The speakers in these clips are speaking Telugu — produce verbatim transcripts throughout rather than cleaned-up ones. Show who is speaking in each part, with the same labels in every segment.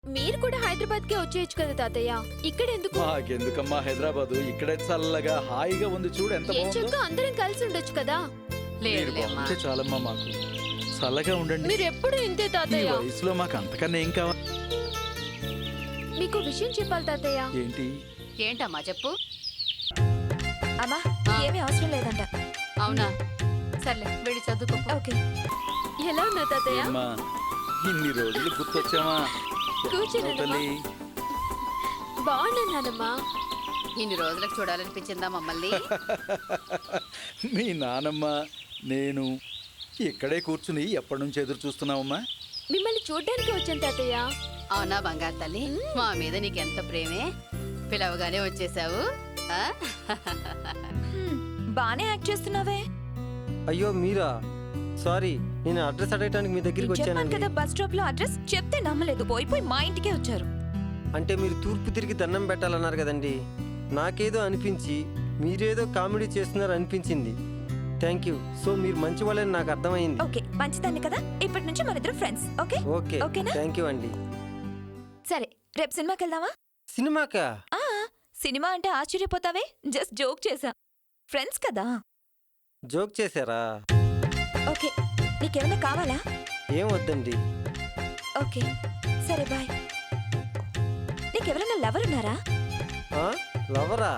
Speaker 1: మీరు కూడా హైదరాబాద్ కే వచ్చేయచ్చు కదా తాతయ్య, ఇక్కడ ఎందుకు?
Speaker 2: మాకెందుకమ్మా హైదరాబాదు, ఇక్కడే చల్లగా హాయిగా ఉంది చూడు ఎంత
Speaker 1: ఏం
Speaker 2: బాగుందో.
Speaker 1: చెక్క అందరం కలిసి ఉండొచ్చు కదా.
Speaker 2: మీరు బాగుంటే చాలమ్మా మాకు, చల్లగా ఉండండి.
Speaker 1: మీరు ఎప్పుడు ఇంతే
Speaker 2: ఈ
Speaker 1: తాతయ్య.
Speaker 2: వయసులో మాకు అంతకన్నా ఏం కావాలి?
Speaker 1: మీకు విషయం చెప్పాలి తాతయ్య.
Speaker 2: ఏంటి?
Speaker 3: ఏంటమ్మా చెప్పు.
Speaker 4: అమ్మా ఏమీ అవసరం లేదంట.
Speaker 3: అవునా, సర్లే వెళ్ళి చదువుకో.
Speaker 4: ఓకే.
Speaker 1: ఎలా ఉన్నా తాతయ్య?
Speaker 2: అమ్మా ఇన్ని రోజులు గుర్తొచ్చామా?
Speaker 1: కూర్చోండి
Speaker 2: తల్లి.
Speaker 1: బాగున్నానమ్మా.
Speaker 3: ఇన్ని రోజులకు చూడాలనిపించిందా మమ్మల్ని?
Speaker 2: మీ నానమ్మ నేను ఇక్కడే కూర్చుని ఎప్పటి నుంచి ఎదురు చూస్తున్నావమ్మా?
Speaker 1: మిమ్మల్ని చూడ్డానికి వచ్చాను తాతయ్య.
Speaker 3: అవునా బంగారు తల్లి, మా మీద నీకెంత ప్రేమే, పిలవగానే వచ్చేసావు. ఆ?
Speaker 4: హ్మ్, బానే యాక్ట్ చేస్తున్నావే.
Speaker 5: అయ్యో మీరా? సారీ, నేను అడ్రస్ అడగటానికి మీ దగ్గరికి
Speaker 4: చెప్పాను
Speaker 5: వచ్చానండి.
Speaker 4: కదా బస్ స్టాప్ లో అడ్రస్ చెప్తే నమ్మలేదు, పోయి పోయి మా ఇంటికే వచ్చారు.
Speaker 5: అంటే మీరు తూర్పు తిరిగి దండం పెట్టాలన్నారు కదండి. నాకేదో అనిపించి మీరేదో కామెడీ చేస్తున్నారు అనిపించింది. Thank you. సో మీరు మంచి వాళ్ళని నాకు అర్థమైంది.
Speaker 4: ఓకే, మంచిదాన్ని కదా, ఇప్పటి నుంచి మన ఇద్దరు ఫ్రెండ్స్. ఓకే
Speaker 5: ఓకే
Speaker 4: ఓకేనా?
Speaker 5: థ్యాంక్ యూ అండి.
Speaker 4: సరే రేపు సినిమాకి వెళ్దామా?
Speaker 5: సినిమాకా?
Speaker 4: ఆ సినిమా అంటే ఆశ్చర్యపోతావే, జస్ట్ జోక్ చేసా. ఫ్రెండ్స్ కదా.
Speaker 5: జోక్ చేశారా?
Speaker 4: ఓకే, నీకేమైనా కావాలా?
Speaker 5: ఏం వద్దండి.
Speaker 4: ఓకే సరే బాయ్. నీకెవరైనా లవర్ ఉన్నారా?
Speaker 5: ఆ? లవరా?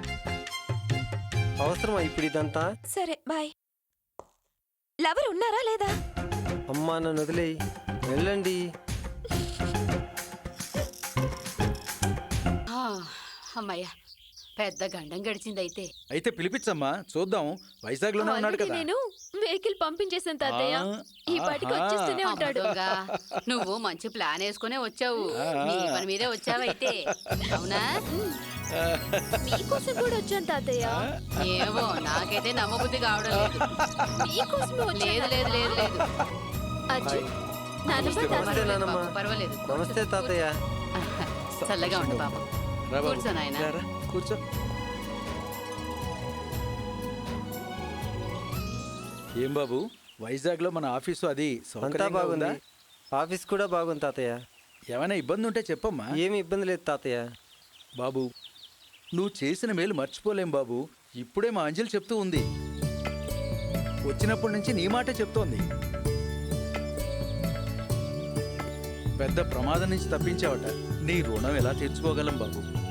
Speaker 5: అవసరమా ఇప్పుడు ఇదంతా?
Speaker 4: సరే బాయ్. లవర్ ఉన్నారా లేదా?
Speaker 5: అమ్మా నన్ను వదిలేయి, వెళ్ళండి.
Speaker 3: ఆ, అమ్మయ్య, పెద్ద గండం గడిచిందైతే.
Speaker 2: అయితే పిలిపించమ్మా చూద్దాం, వైజాగ్ లోనే ఉన్నాడు
Speaker 1: ఆల్రెడీ
Speaker 2: కదా.
Speaker 1: నేను వెహికల్ పంపించేసాను తాతయ్య.
Speaker 2: ఆ,
Speaker 1: ఈ పాటికి
Speaker 2: ఆహా.
Speaker 1: వచ్చేస్తూనే ఉంటాడు.
Speaker 3: అబ్బదొంగా, నువ్వు మంచి ప్లాన్ వేసుకునే వచ్చావు. నీ పని మీదే వచ్చావైతే, అవునా?
Speaker 1: మీకోసం కూడా వచ్చాను తాతయ్య.
Speaker 3: ఏమో నాకైతే నమ్మబుద్ధి కావడం లేదు.
Speaker 1: మీకోసమే
Speaker 3: లేదు
Speaker 1: వచ్చాను.
Speaker 3: లేదు లేదు లేదు
Speaker 1: అర్జున్, నాన్నమ్మ
Speaker 5: నమస్తే
Speaker 1: తాతయ్య.
Speaker 5: నానమ్మ.
Speaker 3: బాబు, పర్వాలేదు.
Speaker 5: నమస్తే తాతయ్య.
Speaker 3: చల్లగా ఉండు బాబు.
Speaker 2: రా బాబు,
Speaker 3: కూర్చో నాయనా.
Speaker 2: రా, రా, కూర్చో. ఏం బాబు, వైజాగ్ లో మన ఆఫీసు అది
Speaker 5: అంతా
Speaker 2: సౌకర్యంగా
Speaker 5: బాగుంది.
Speaker 2: ఉందా?
Speaker 5: ఆఫీస్ కూడా బాగుంది తాతయ్య.
Speaker 2: ఏమైనా ఇబ్బంది ఉంటే చెప్పమ్మా.
Speaker 5: ఏమి ఇబ్బంది లేదు తాతయ్య.
Speaker 2: బాబు నువ్వు చేసిన మేలు మర్చిపోలేం బాబు. ఇప్పుడే మా అంజలి చెప్తూ ఉంది, వచ్చినప్పటి నుంచి నీ మాటే చెప్తోంది. పెద్ద ప్రమాదం నుంచి తప్పించావట, నీ రుణం ఎలా తీర్చుకోగలం బాబు.